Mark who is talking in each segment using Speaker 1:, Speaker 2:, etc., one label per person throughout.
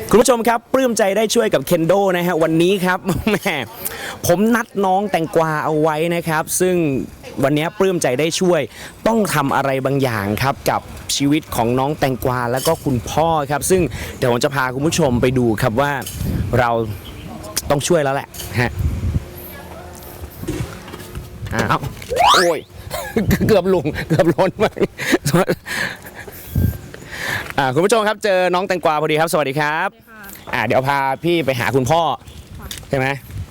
Speaker 1: คุณผู้ชมครับปลื้มใจได้ช่วยกับเคนโดนะฮะวันนี้ครับแหมผมนัดน้องแตงกวาเอาไว้นะครับซึ่งวันนี้ปลื้มใจได้ช่วยต้องทำอะไรบางอย่างครับกับชีวิตของน้องแตงกวาแล้วก็คุณพ่อครับซึ่งเดี๋ยวผมจะพาคุณผู้ชมไปดูครับว่าเราต้องช่วยแล้วแหละฮะอ้าวโอ้ยเกือบลุงเกือบล้นมากคุณผู้ชมครับเจอน้องแตงกวาพอดีครับสวัสดีครับเดี๋ยวพาพี่ไปหาคุณพ่อใช่ไหม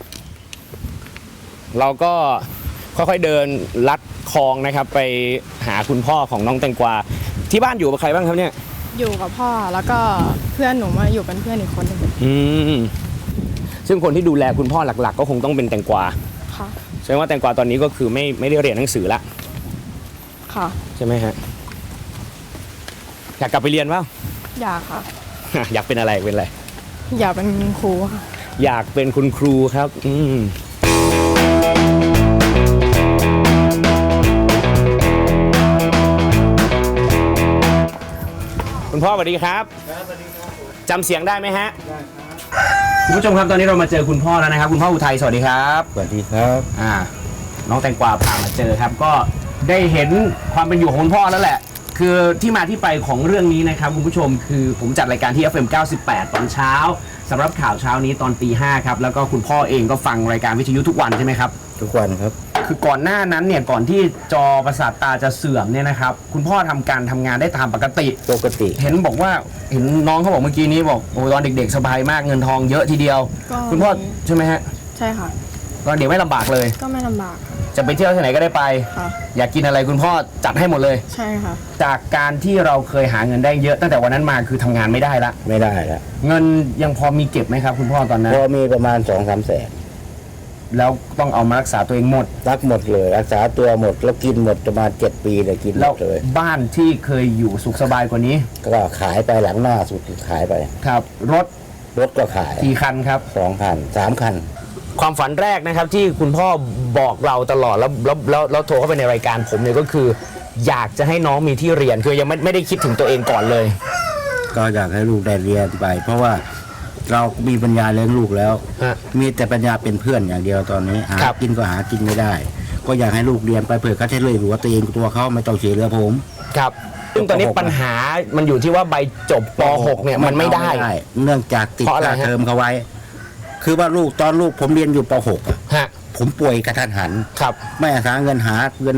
Speaker 1: เราก็ค่อยๆเดินลัดคลองนะครับไปหาคุณพ่อของน้องแตงกวาที่บ้านอยู่กับใครบ้างครับเนี่ย
Speaker 2: อยู่กับพ่อแล้วก็เพื่อนหนูมาอยู่เป็นเพื่อนอีกคนหนึ่ง
Speaker 1: ซึ่งคนที่ดูแลคุณพ่อหลักๆก็คงต้องเป็นแตงกวา
Speaker 2: ค่ะ
Speaker 1: แสดงว่าแตงกวาตอนนี้ก็คือไม่ได้เรียนหนังสือละ
Speaker 2: ค่ะ
Speaker 1: ใช่ไหมฮะอยากกลับไปเรียนเปล่า
Speaker 2: อยากค่ะ
Speaker 1: อยากเป็นอะไรเป็นอะไร
Speaker 2: อยากเป็นครูค่ะ
Speaker 1: อยากเป็นคุณครูครับคุณพ่อสวัสดีครับจำเสียงได้ไหมฮะได้ครับคุณผู้ชมครับตอนนี้เรามาเจอคุณพ่อแล้วนะครับคุณพ่ออุทัยสวัสดีครับ
Speaker 3: สวัสดีครับ
Speaker 1: น้องแตงกวาพามาเจอครับก็ได้เห็นความเป็นอยู่ของคุณพ่อแล้วแหละคือที่มาที่ไปของเรื่องนี้นะครับคุณผู้ชมคือผมจัดรายการที่ FM 98 ตอนเช้าสำหรับข่าวเช้านี้ตอนตี 5ครับแล้วก็คุณพ่อเองก็ฟังรายการวิทยุทุกวันใช่ไหมครับ
Speaker 3: ทุกวันครับ
Speaker 1: คือก่อนหน้านั้นเนี่ยก่อนที่จอประสาทตาจะเสื่อมเนี่ยนะครับคุณพ่อทำงานได้ตามปกติเห็นบอกว่าเห็นน้องเขาบอกเมื่อกี้นี้บอกโอ้ตอนเด็กๆสบายมากเงินทองเยอะทีเดียวคุณพ่อใช่ไหมฮะ
Speaker 2: ใช่ค่ะ
Speaker 1: ตอนเด็กไม่ลำบากเลย
Speaker 2: ก็ไม่ลำบาก
Speaker 1: จะไปเที่ยวที่ไหนก็ได้ไปอยากกินอะไรคุณพ่อจัดให้หมดเลย
Speaker 2: ใช่ค่ะ
Speaker 1: จากการที่เราเคยหาเงินได้เยอะตั้งแต่วันนั้นมาคือทำงานไม่ได้ละเงินยังพอมีเก็บไหมครับคุณพ่อตอนนั้น
Speaker 3: พอมีประมาณ 2-3 แสน
Speaker 1: แล้วต้องเอามารักษาตัวเองหมด
Speaker 3: เลยรักษาตัวหมดแล้วกินหมดประมาณ7 ปีเลยกินหมดเลย
Speaker 1: บ้านที่เคยอยู่สุขสบายกว่านี้
Speaker 3: ก็ขายไปหลังหน้าสุดขายไป
Speaker 1: ครับรถ
Speaker 3: ก็ขาย
Speaker 1: กี่คันครับ
Speaker 3: 2 คัน3 คัน
Speaker 1: ความฝันแรกนะครับที่คุณพ่อบอกเราตลอดแล้วโทรเข้าไปในรายการผมเนี่ยก็คืออยากจะให้น้องมีที่เรียนคือยังไม่ได้คิดถึงตัวเองก่อนเลย
Speaker 3: ก็อยากให้ลูกได้เรียนไปเพราะว่าเรามีปัญญาเลี้ยงลูกแล้วมีแต่ปัญญาเป็นเพื่อนอย่างเดียวตอนนี้หากินก็หากินไม่ได้ก็อยากให้ลูกเรียนไปเผื่อเขาจะเลยรู้ว่าตัวเองตัวเขาไม่ต้องเสียเรือผม
Speaker 1: ครับซึ่งตอนนี้ปัญหามันอยู่ที่ว่าใบจบป .6 เนี่ยมันไม่ได้
Speaker 3: เนื่องจากติดค่าเทอมเขาไว้คือว่าลูกผมเรียนอยู่ป .6 ผมป่วยกระทันหันไม่หาเงิน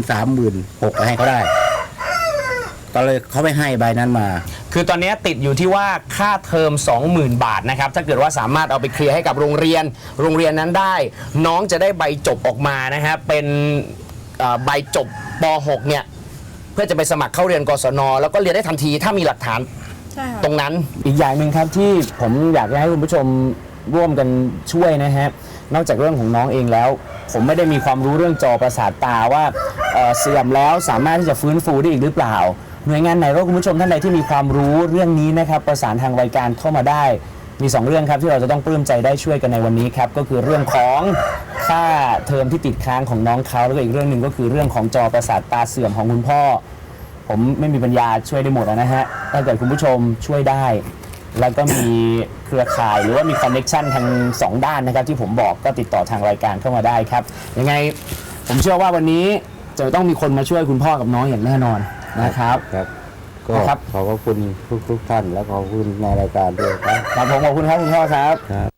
Speaker 3: 36,000ให้เขาได้ก็เลยเขาไม่ให้ใบนั้นมา
Speaker 1: คือตอนนี้ติดอยู่ที่ว่าค่าเทอม 20,000 บาทนะครับถ้าเกิดว่าสามารถเอาไปเคลียร์ให้กับโรงเรียนนั้นได้น้องจะได้ใบจบออกมานะฮะเป็นใบจบป .6 เนี่ยเพื่อจะไปสมัครเข้าเรียนกศนแล้วก็เรียนได้ทันทีถ้ามีหลักฐานตรงนั้นอีกอย่างหนึ่งครับที่ผมอยากให้คุณผู้ชมร่วมกันช่วยนะฮะนอกจากเรื่องของน้องเองแล้วผมไม่ได้มีความรู้เรื่องจอประสาทตาว่าเสื่อมแล้วสามารถที่จะฟื้นฟูได้อีกหรือเปล่าหน่วยงานไหนก็คุณผู้ชมท่านใดที่มีความรู้เรื่องนี้นะครับประสานทางรายการเข้ามาได้มี2เรื่องครับที่เราจะต้องปลื้มใจได้ช่วยกันในวันนี้ครับก็คือเรื่องของค่าเทอมที่ติดค้างของน้องเขาแล้วก็อีกเรื่องหนึ่งก็คือเรื่องของจอประสาทตาเสื่อมของคุณพ่อผมไม่มีปัญญาช่วยได้หมดนะฮะถ้าเกิดคุณผู้ชมช่วยได้แล้วก็มีเครือข่ายหรือว่ามีคอนเนคชั่นทาง2ด้านนะครับที่ผมบอกก็ติดต่อทางรายการเข้ามาได้ครับยังไงผมเชื่อว่าวันนี้จะต้องมีคนมาช่วยคุณพ่อกับน้องอย่างแน่นอนนะครับ
Speaker 3: ก็ขอบคุณทุกท่านแล้วขอบคุณในรายการด้วย
Speaker 1: ครับผมขอบคุณครับคุณพ่อครับ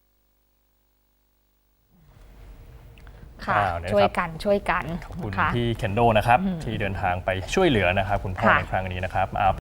Speaker 4: ค่ะช่วยกันขอบคุณพี่เคนโดนะครับที่เดินทางไปช่วยเหลือนะครับคุณพ่อในครั้งนี้นะครับ